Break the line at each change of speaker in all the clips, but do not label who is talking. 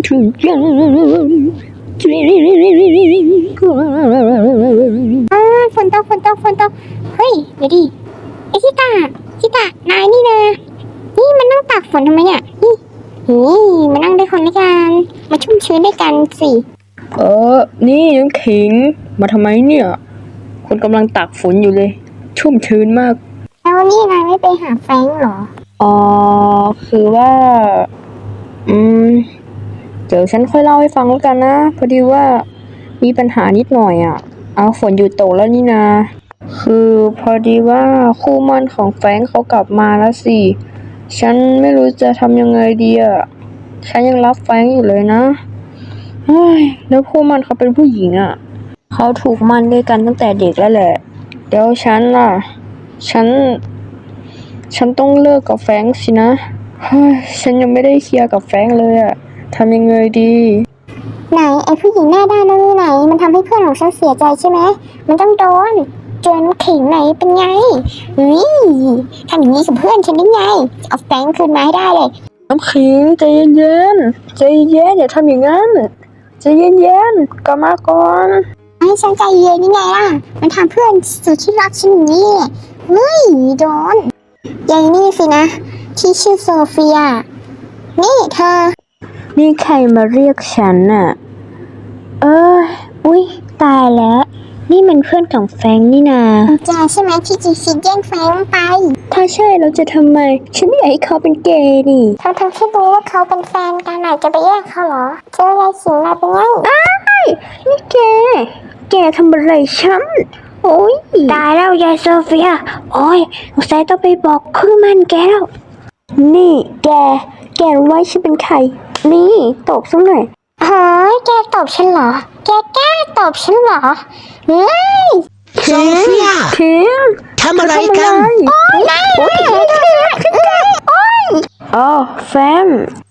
ทุกอย่าง
ฝนตกเฮ้ยเดี๋ยวดิไอชิตานายนี่นะนี่มันนั่งตากฝนทำไมเนี่ยนี่มานั่งด้วยคนด้วยกันมาชุ่มชื้นด้วยกันสิ
นี่น้ำขิงมาทำไมเนี่ยคนกำลังตากฝนอยู่เลยชุ่มชื้นมาก
แล้วนี่นายไม่ไปหาแฟรงค์เหรอ
คือว่าเดี๋ยวฉันค่อยเล่าให้ฟังแล้วกันนะพอดีว่ามีปัญหานิดหน่อยอ่ะฝนหยุดตกแล้วนี่นาคือพอดีว่าคู่หมั่นของแฟรงค์เขากลับมาแล้วสิฉันไม่รู้จะทำยังไงดีอ่ะฉันยังรักแฟรงค์อยู่เลยนะเฮ้ยแล้วคู่หมั่นเขาเป็นผู้หญิงอ่ะเขาถูกหมั่นด้วยกันตั้งแต่เด็กแล้วแหละเดี๋ยวฉันล่ะฉันต้องเลิกกับแฟรงค์สินะเฮ้ยฉันยังไม่ได้เคลียร์กับแฟรงค์เลยอะทำยังไงดี
ไหนไอ้ผู้หญิงหน้าด้านนั่นไหนมันทำให้เพื่อนของฉันเสียใจใช่ไหมมันต้องโดนเจอน้ำขิงไหนเป็นไงทำอย่างนี้กับเพื่อนฉันได้ไงเอาแฟรงค์คืนมาให้ได้เลย
น้ำขิงใจเย็นอย่าทำอย่างนั้นใจเย็นกลับมาก่อน
ให้ฉันใจเย็นยังไงล่ะมันทำเพื่อนสุดที่รักฉันอย่างนี้โดนยายนี่สินะที่ชื่อโซเฟียนี่เธอ
นี่ใครมาเรียกฉันน่ะ
อุ๊ยตายแล้ว
นี่มันเพื่อนของแฟรงค์นี่นา
แกใช่ไหมที่จีซีแย่งแฟรงค์ไป
ถ้าใช่เราจะทำไมฉันไม่อยากให้เขาเป็นเกย์นี่
ทั้งที่รู้ว่าเขาเป็นแฟนกันจะไปแย่งเขาเหรอเจอยายสิงมาเป็นไง
นี่แกทำอะไรฉันโอ๊ย
ตายแล้วยายโซเฟียโอ๊ยสงสัยต้องไปบอกคู่มันแกแล้ว
นี่แกรู้ไหมฉันเป็นใครนี่ตบสักหน่อย
เฮ้ยแกตบฉันเหรอแกกล้าตบฉันเหรอ
โซเฟียทำอะไรกัน
โอ๊ย
แฟม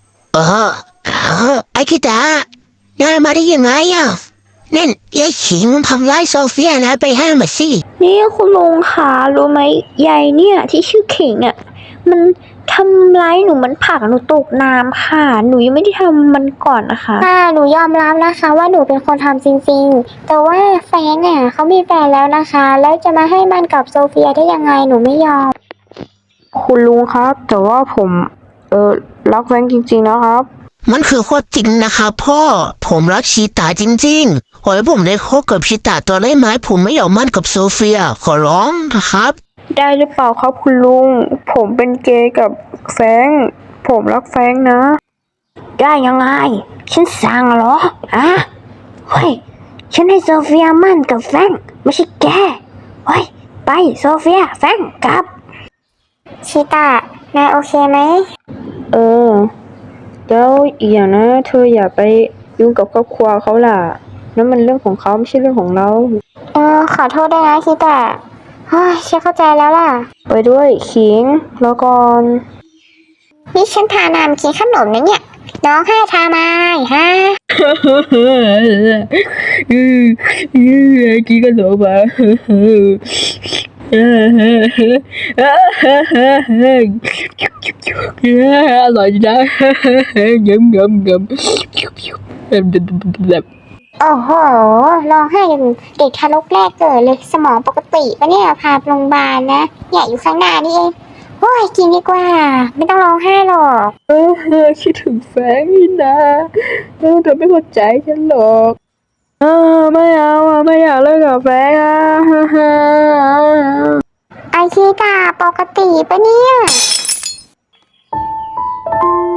ไอ้คิดานายมาได้ยังไงอ่ะนั่นยายขิงมันทำร้ายโซเฟียนะไปห้ามมาสิ
นี่คุณลุงคะรู้ไหมยายเนี่ยที่ชื่อขิงอ่ะมันทำร้ายหนูมันผลักหนูตกน้ำค่ะหนูยังไม่ได้ทำมันก่อนนะคะ
หนูยอมรับนะคะว่าหนูเป็นคนทำจริงๆแต่ว่าแฟนเนี่ยเขามีแฟนแล้วนะคะแล้วจะมาให้มันกับโซเฟียได้ยังไงหนูไม่ยอม
คุณลุงครับแต่ว่าผมรักแฟนจริงๆนะครับ
มันคือความจริงนะครับพ่อผมรักชีตาจริงๆขอให้ผมได้คบกับชีตาตัวได้ไหมผมไม่อยากมั่นกับโซเฟียขอร้องนะครับ
ได้หรือเปล่าครับคุณลุงผมเป็นเกย์กับแฟรงค์ผมรักแฟรงค์นะ
ได้ยังไงฉันสั่งเหรอเฮ้ยฉันให้โซเฟียมั่นกับแฟรงค์ไม่ใช่แกเฮ้ยไปโซเฟียแฟรงค์กลับชิตานายโอเคไหม
แล้วอีกอย่างนะเธออย่าไปยุ่งกับครอบครัวเขาล่ะนั่นมันเรื่องของเขาไม่ใช่เรื่องของเรา
ขอโทษด้วยนะชิตาเฮ้ยฉันเข้าใจแล้วล่ะ
ไปด้วยขิงแล้วก่อน
นี่ฉันทานำกินขนมนะเนี่ยน้องให้ทามาฮะ
กินขนมมาอร่อยจังยำ
โอ้โหร้องไห้อย่างเด็กทารกแรกเกิดเลยสมองปกติปะเนี่ยพาไปโรงพยาบาลนะเนี่ยอยู่ข้างหน้านี่เองโอ้ยกินดีกว่าไม่ต้องร้องไห้หรอก
คิดถึงแฟนนี่นะเธอไม่เข้าใจฉันหรอกไม่เอาไม่อยากเลิกกับแฟน
ไอชีตาปกติปะเนี่ย